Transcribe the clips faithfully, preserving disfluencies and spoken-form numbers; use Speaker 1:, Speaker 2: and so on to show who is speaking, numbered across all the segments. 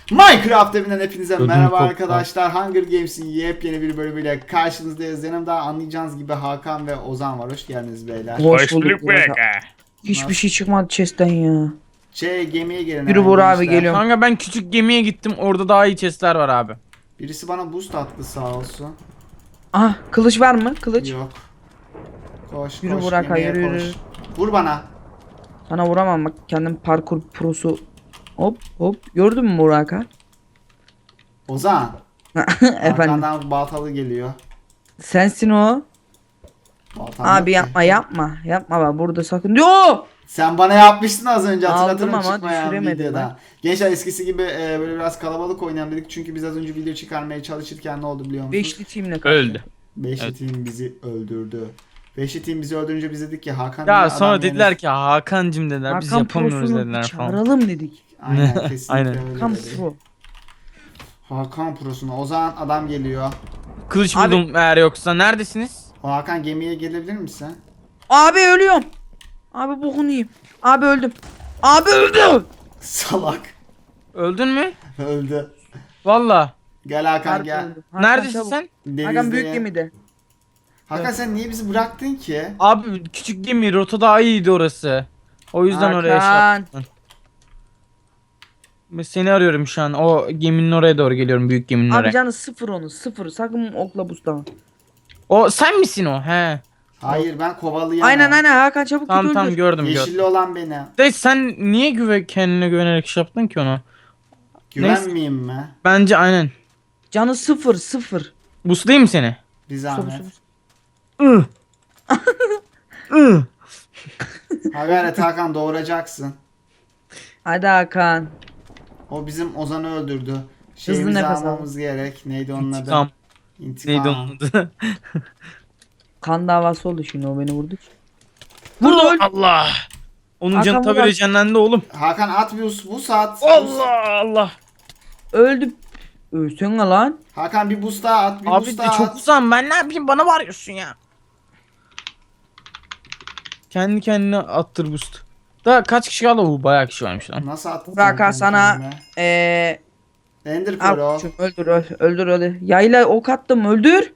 Speaker 1: Minecraft evinden hepinize
Speaker 2: Ödüm
Speaker 1: merhaba
Speaker 2: koptu.
Speaker 1: arkadaşlar. Hunger Games'in yepyeni bir bölümüyle karşınızdayız. Yanımda anlayacağınız gibi Hakan ve Ozan var. Hoş geldiniz beyler.
Speaker 3: Hoş bulduk
Speaker 2: bulduk
Speaker 3: Burak.
Speaker 2: Burak.
Speaker 3: Hiçbir
Speaker 1: Nasıl?
Speaker 3: şey çıkmadı chest'ten ya.
Speaker 1: Şey gemiye gelin.
Speaker 3: Yürü
Speaker 1: hemen
Speaker 3: Burak abi,
Speaker 1: gençler.
Speaker 3: geliyorum.
Speaker 2: Kanka ben küçük gemiye gittim. Orada daha iyi chestler var abi.
Speaker 1: Birisi bana boost attı sağ olsun.
Speaker 3: Ah, kılıç var mı? Kılıç.
Speaker 1: Yok. Koş
Speaker 3: Yürü
Speaker 1: koş
Speaker 3: Burak,
Speaker 1: gemiye
Speaker 3: yürü,
Speaker 1: koş.
Speaker 3: yürü.
Speaker 1: Vur bana.
Speaker 3: Sana vuramam bak, kendim parkur prosu. Hop hop. Gördün mü Burak abi?
Speaker 1: Ozan.
Speaker 3: Efendim.
Speaker 1: Arkandan baltalı geliyor.
Speaker 3: Sensin o.
Speaker 1: Baltam yok
Speaker 3: Abi
Speaker 1: ki.
Speaker 3: yapma yapma. Yapma bak, burada sakın. Yo!
Speaker 1: Sen bana yapmıştın az önce,
Speaker 3: Aldım
Speaker 1: hatırlatırım
Speaker 3: ama
Speaker 1: çıkmayan
Speaker 3: düşüremedim
Speaker 1: videoda.
Speaker 3: ben.
Speaker 1: Gençler eskisi gibi e, böyle biraz kalabalık oynayalım dedik. Çünkü biz az önce video çıkarmaya çalışırken ne oldu biliyor musunuz?
Speaker 3: Beşli teamle kaçtı.
Speaker 2: Öldü.
Speaker 1: Beşli
Speaker 2: Evet.
Speaker 1: team bizi öldürdü. Beşli team bizi öldürünce biz dedik ki Hakan niye
Speaker 2: Ya
Speaker 1: adam
Speaker 2: sonra dediler
Speaker 1: yerine-
Speaker 2: ki Hakan'cım dediler. Biz
Speaker 3: Hakan
Speaker 2: yapamıyoruz
Speaker 3: prosunu
Speaker 2: dediler falan.
Speaker 3: çağıralım dedik.
Speaker 1: Aynen kesinlikle
Speaker 2: Aynen.
Speaker 1: öyle
Speaker 3: Hakan
Speaker 1: dedi.
Speaker 3: pro.
Speaker 1: Hakan prosuna. O zaman adam geliyor.
Speaker 2: Kılıç
Speaker 3: Abi-
Speaker 2: buldum eğer yoksa. Neredesiniz?
Speaker 1: O Hakan gemiye gelebilir misin?
Speaker 3: Abi ölüyorum. Abi bokunu yiyeyim. Abi öldüm. Abi öldüm.
Speaker 1: Salak.
Speaker 2: Öldün mü?
Speaker 1: Öldü.
Speaker 2: Valla.
Speaker 1: Gel Hakan
Speaker 3: Harbi
Speaker 1: gel.
Speaker 3: öldüm. Hakan
Speaker 2: Neredesin
Speaker 3: çabuk.
Speaker 2: sen?
Speaker 3: Hakan büyük
Speaker 1: Denizdeyim.
Speaker 3: gemide.
Speaker 1: Hakan sen niye bizi bıraktın ki?
Speaker 2: Abi küçük gemi rota daha iyiydi orası. O yüzden oraya şey
Speaker 3: Hakan.
Speaker 2: yaptım. Ben seni arıyorum şu an. O geminin oraya doğru geliyorum. Büyük geminin
Speaker 3: Abi
Speaker 2: oraya.
Speaker 3: canı sıfır onu, sıfır. Sakın okla buslama.
Speaker 2: O sen misin o? He.
Speaker 1: Hayır ben kovalayamam.
Speaker 3: Aynen aynen Hakan, çabuk
Speaker 2: Tamam
Speaker 3: git
Speaker 2: tamam
Speaker 3: öldür.
Speaker 2: gördüm
Speaker 1: Yeşilli
Speaker 2: gördüm.
Speaker 1: olan benim.
Speaker 2: De sen niye güve kendine güvenerek şey yaptın ki onu?
Speaker 1: Güvenmeyeyim mi?
Speaker 2: Bence aynen.
Speaker 3: Canı sıfır sıfır.
Speaker 2: Buslayayım mı seni?
Speaker 1: Bir
Speaker 3: Sıfır,
Speaker 1: zahmet.
Speaker 3: sıfır.
Speaker 2: Ih. Ih.
Speaker 1: Ha gayret Hakan doğuracaksın.
Speaker 3: Hadi Hakan.
Speaker 1: O bizim Ozan'ı öldürdü. Şeyimizi
Speaker 3: nefes al.
Speaker 1: almamız gerek. Neydi onun adı?
Speaker 2: İntikam.
Speaker 1: İntikam.
Speaker 2: Neydi onun adı?
Speaker 3: Kan davası oldu şimdi, o beni vurdu. Vurdu öldü.
Speaker 2: Allah. Onun
Speaker 3: Hakan
Speaker 2: canı tabi
Speaker 3: Murat.
Speaker 2: rejenlendi oğlum.
Speaker 1: Hakan at bir bu saat.
Speaker 2: Allah Allah.
Speaker 3: Öldü. Ölsene lan.
Speaker 1: Hakan bir boost daha at. Bir
Speaker 2: Abi
Speaker 1: boost
Speaker 2: de
Speaker 1: daha
Speaker 2: çok
Speaker 1: at.
Speaker 2: uzağım, ben ne yapayım, bana varıyorsun ya. Kendi kendine attır boost. Daha kaç kişi kaldı? Bu bayağı kişi varmış lan.
Speaker 1: Nasıl attın?
Speaker 3: Burak
Speaker 1: sen
Speaker 3: ha, sana
Speaker 1: kendine?
Speaker 3: eee
Speaker 1: Ender
Speaker 3: al
Speaker 1: Pearl.
Speaker 3: koçum, öldür öldür öldür öldür. Yayla ok attım, öldür.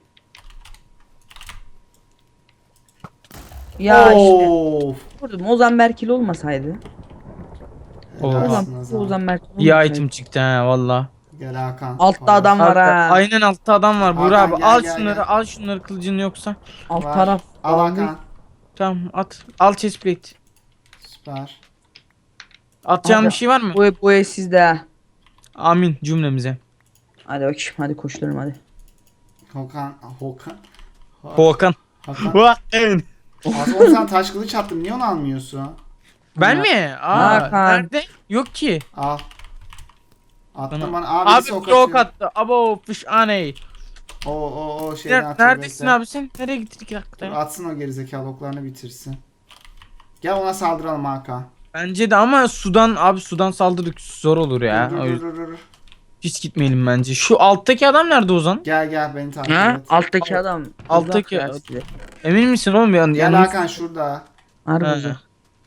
Speaker 3: Ya işte
Speaker 1: Of.
Speaker 3: vurdum. Ozan Berkil olmasaydı.
Speaker 2: Oha.
Speaker 1: Helalsin
Speaker 3: Ozan,
Speaker 1: Ozan.
Speaker 3: Ozan Berkil
Speaker 2: İyi
Speaker 3: olmasaydı.
Speaker 2: item çıktı ha valla.
Speaker 1: Gel Hakan.
Speaker 3: Altta
Speaker 1: Vay.
Speaker 3: adam var ha.
Speaker 2: Aynen altta adam var. Burak
Speaker 1: Hakan,
Speaker 2: abi
Speaker 1: gel,
Speaker 2: al
Speaker 1: gel,
Speaker 2: şunları,
Speaker 1: gel.
Speaker 2: al şunları, kılıcın yoksa.
Speaker 3: Alt
Speaker 1: Var.
Speaker 3: taraf.
Speaker 1: Al Hakan.
Speaker 2: Tamam at. Al chestplate.
Speaker 1: Süper.
Speaker 2: Atacağın
Speaker 3: Abi,
Speaker 2: bir şey var mı?
Speaker 3: Bu bu ev sizde ha.
Speaker 2: Amin cümlemize.
Speaker 3: Hadi bakayım, hadi koşturalım hadi.
Speaker 1: Hakan. Hakan.
Speaker 2: Hakan.
Speaker 1: Hakan.
Speaker 2: Hakan.
Speaker 1: Hakan sen taş kılıç attım. Niye onu almıyorsun?
Speaker 2: Ben mi? Aa,
Speaker 3: Hakan.
Speaker 2: nerede? Yok ki.
Speaker 1: Al. Attım
Speaker 2: Bana-
Speaker 1: bana. Abi,
Speaker 2: Abi
Speaker 1: birisi ok
Speaker 2: çok
Speaker 1: atıyor.
Speaker 2: attı. Abo fış aney.
Speaker 1: O o o şeyden
Speaker 2: Ner-
Speaker 1: atıyor.
Speaker 2: Neredesin
Speaker 1: bekle.
Speaker 2: abi sen? Nereye gittin iki dakikada ya?
Speaker 1: Atsın o gerizekalı oklarını bitirsin. Gel ona saldıralım Hakan.
Speaker 2: Bence de ama sudan abi sudan saldırı zor olur ya.
Speaker 1: Dur, dur,
Speaker 2: O
Speaker 1: dur,
Speaker 2: yüzden
Speaker 1: dur, dur.
Speaker 2: hiç gitmeyelim bence. Şu alttaki adam nerede Ozan?
Speaker 1: Gel gel beni takip
Speaker 3: Ha?
Speaker 1: et.
Speaker 3: Alttaki adam.
Speaker 2: Alttaki-
Speaker 3: uzak ya size.
Speaker 2: Emin misin oğlum? Yani,
Speaker 1: Gel Hakan şurada.
Speaker 3: Harbi
Speaker 2: Ha.
Speaker 3: uzak.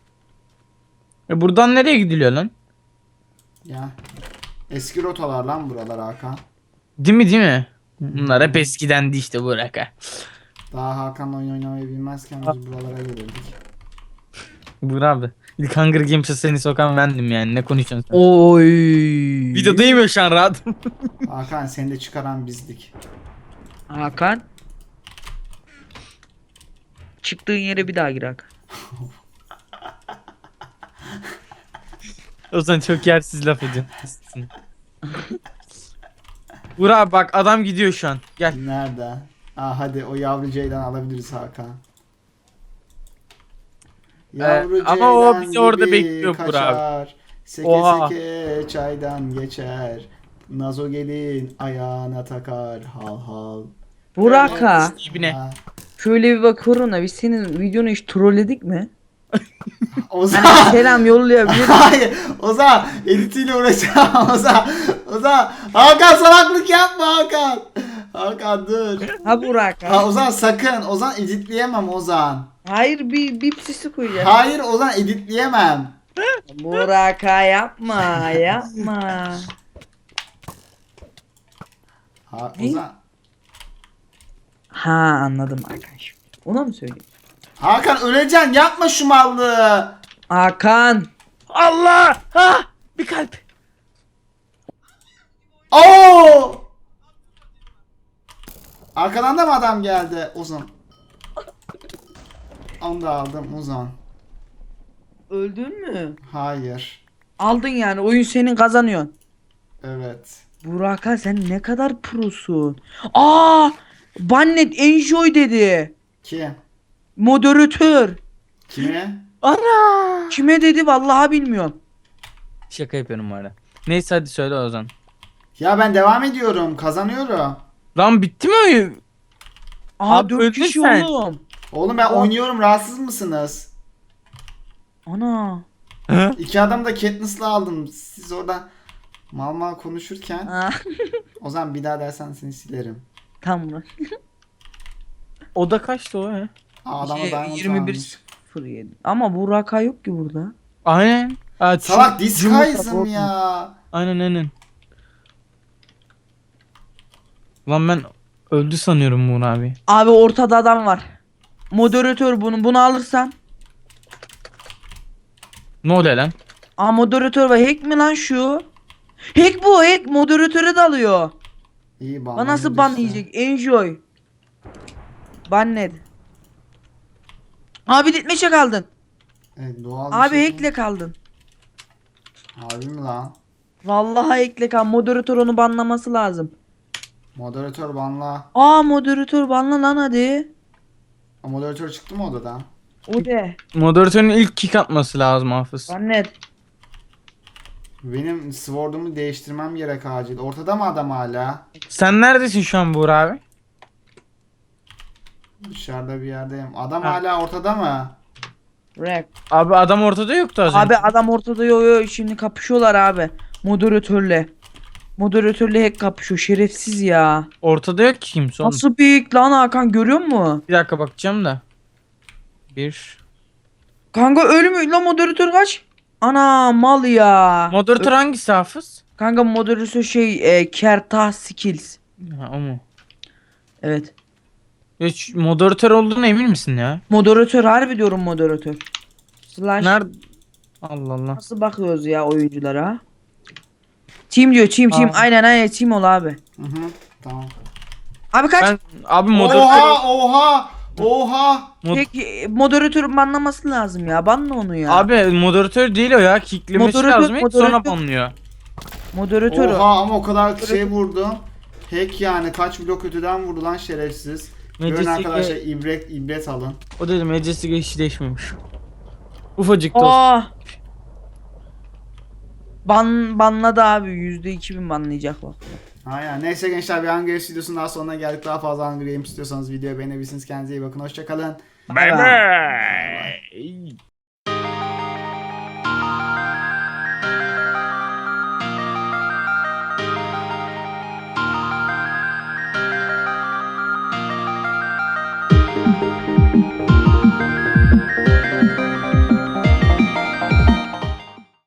Speaker 2: E buradan nereye gidiliyor lan?
Speaker 1: Ya. Eski rotalar lan buralar Hakan.
Speaker 2: Değil mi değil mi? Bunlar hep eskidendi işte Burak ha.
Speaker 1: Daha Hakan'la oyun oynamayı bilmezken biz buralara gelirdik.
Speaker 2: Burak abi. İlk Hunger Games'e seni sokan bendim yani. Ne konuşuyorsun sen?
Speaker 3: Oy.
Speaker 2: Videodayım ya şu an rahat.
Speaker 1: Hakan seni de çıkaran bizdik.
Speaker 3: Hakan. Çıktığın yere bir daha gir Hakan.
Speaker 2: Ozan çok yersiz laf ediyorsun. Burak abi bak adam gidiyor şu an. Gel.
Speaker 1: Nerede? Aa hadi o yavru ceylan alabiliriz Hakan. Yavru
Speaker 2: ama o
Speaker 1: ceylan
Speaker 2: bizi orada
Speaker 1: gibi
Speaker 2: bekliyor Burak abi.
Speaker 1: kaçar. Seke
Speaker 2: Oha.
Speaker 1: seke çaydan geçer. Nazo gelin ayağına takar hal hal.
Speaker 3: Burak ha.
Speaker 2: Dibine.
Speaker 1: Ha.
Speaker 3: Şöyle bir bakıyorum da biz senin videonu hiç trolledik mi?
Speaker 1: Ozan.
Speaker 3: Hani selam yollayabilir.
Speaker 1: Hayır. Ozan editiyle uğraşacağım. Ozan. Ozan. Hakan salaklık yapma Hakan. Hakan dur.
Speaker 3: Ha Burak
Speaker 1: Ha
Speaker 3: ha.
Speaker 1: Ozan sakın. Ozan editleyemem Ozan.
Speaker 3: Hayır, bir bir sesi koyacağım.
Speaker 1: Hayır Ozan editleyemem.
Speaker 3: Burak ha, yapma yapma.
Speaker 1: Ha,
Speaker 3: Ne?
Speaker 1: Ozan.
Speaker 3: Ha anladım arkadaş. Ona mı söyleyeyim?
Speaker 1: Hakan öleceksin, yapma şu mallığı.
Speaker 3: Hakan.
Speaker 2: Allah! Ha! Bir kalp.
Speaker 1: Oo! Arkadan da mı adam geldi Ozan? Onu da aldım Ozan.
Speaker 3: Öldün mü?
Speaker 1: Hayır.
Speaker 3: Aldın yani, oyun senin, kazanıyorsun.
Speaker 1: Evet.
Speaker 3: Burak'a sen ne kadar prosun. Aa! Bannet enjoy dedi.
Speaker 1: Kim?
Speaker 3: Moderatör.
Speaker 1: Kime?
Speaker 2: Ana!
Speaker 3: Kime dedi vallahi bilmiyorum.
Speaker 2: Şaka yapıyorum bu arada. Neyse hadi söyle Ozan.
Speaker 1: Ya ben devam ediyorum. Kazanıyorum.
Speaker 2: Lan bitti mi oyun?
Speaker 3: Aa
Speaker 2: Abi
Speaker 3: dört
Speaker 2: öldün
Speaker 3: kişi
Speaker 2: sen.
Speaker 3: oğlum.
Speaker 1: Oğlum ben
Speaker 3: Aa.
Speaker 1: oynuyorum. Rahatsız mısınız?
Speaker 3: Ana.
Speaker 2: Hı?
Speaker 1: İki adam da Katniss'la aldım. Siz orada mal mal konuşurken.
Speaker 3: Aa,
Speaker 1: O zaman bir daha dersen seni silerim.
Speaker 3: tamam.
Speaker 2: O da kaçtı o he?
Speaker 1: Aa, adama
Speaker 3: Şey,
Speaker 1: diamond
Speaker 3: yirmi bir
Speaker 1: almış.
Speaker 3: sıfır yedi. Ama Burak'a yok ki burada.
Speaker 2: Aynen. Aa,
Speaker 1: Salak
Speaker 2: çu-
Speaker 1: Disguise'ım
Speaker 3: Yumurta
Speaker 1: ya.
Speaker 2: Aynen aynen. Lan ben öldü sanıyorum Muğur abi.
Speaker 3: Abi ortada adam var. Moderatör bunu bunu alırsan.
Speaker 2: Ne oluyor lan?
Speaker 3: Aa moderatör var. Hack mi lan şu? Hack bu, hack moderatöre dalıyor.
Speaker 1: İyi ban.
Speaker 3: Bana nasıl ban yiyecek? Enjoy. Bannet. Abi ditmeşe kaldın.
Speaker 1: Evet, doğal bir
Speaker 3: Abi
Speaker 1: şey.
Speaker 3: hackle kaldın.
Speaker 1: Harbi mi lan?
Speaker 3: Vallahi hackle kal. Moderatör onu banlaması lazım.
Speaker 1: Moderatör banla.
Speaker 3: Aa moderatör banla lan hadi.
Speaker 1: Aa, moderatör çıktı mı odadan?
Speaker 3: O de.
Speaker 2: Moderatörün ilk kick atması lazım Hafız.
Speaker 3: Bannet.
Speaker 1: Benim sword'umu değiştirmem gerek acil. Ortada mı adam hala?
Speaker 2: Sen neredesin şu an Muğur abi?
Speaker 1: Dışarıda bir yerdeyim. Adam
Speaker 2: Ha.
Speaker 1: hala ortada mı?
Speaker 3: Rap.
Speaker 2: Abi adam ortada yoktu az
Speaker 3: Abi
Speaker 2: önce.
Speaker 3: adam ortada, yo yo şimdi kapışıyorlar abi. Moderatörle. Moderatörle hack kapışıyor, şerefsiz ya.
Speaker 2: Ortada yok ki kimse oğlum.
Speaker 3: Nasıl büyük lan Hakan, görüyor musun?
Speaker 2: Bir dakika bakacağım da. Bir.
Speaker 3: Kanka ölmüyor lan moderatör, kaç. Ana mal ya.
Speaker 2: Moderatör hangisi Hafız?
Speaker 3: Kanka moderatör şey e, Kertah Skills.
Speaker 2: Ha, o mu?
Speaker 3: Evet.
Speaker 2: Hiç moderatör olduğuna emin misin ya?
Speaker 3: Moderatör, harbi diyorum moderatör. Slash.
Speaker 2: Nerede? Allah Allah.
Speaker 3: Nasıl bakıyoruz ya oyunculara? Team diyor, team team.
Speaker 2: Aa.
Speaker 3: Aynen aynen, team ol abi.
Speaker 1: Hı hı. Tamam.
Speaker 3: Abi kaç.
Speaker 2: Ben abi moderatör
Speaker 1: Oha oha oha.
Speaker 2: mod-
Speaker 3: Peki moderatörün banlaması lazım ya. Banla onu ya.
Speaker 2: abi moderatör değil o ya. Kicklemesi
Speaker 3: Moderatör-
Speaker 2: lazım ilk sonra
Speaker 3: moderatör-
Speaker 2: banlıyor.
Speaker 3: Moderatör o.
Speaker 1: Oha ama o kadar şey vurdum. Hack yani, kaç blok öteden vurdu lan şerefsiz. Görün
Speaker 2: Majestic
Speaker 1: arkadaşlar,
Speaker 2: ve-
Speaker 1: ibret ibret alın.
Speaker 2: O dedim Majestic hiç değişmemiş. Ufacık da olsa.
Speaker 3: Aa. Ban banladı abi. yüzde iki bin banlayacak bak.
Speaker 1: Aynen. Neyse gençler, bir Hunger Games videosunun daha sonuna geldik. Daha fazla Hunger Games istiyorsanız videoyu beğenebilirsiniz. Kendinize iyi bakın. Hoşçakalın.
Speaker 3: Bay bay.
Speaker 2: Bye bye.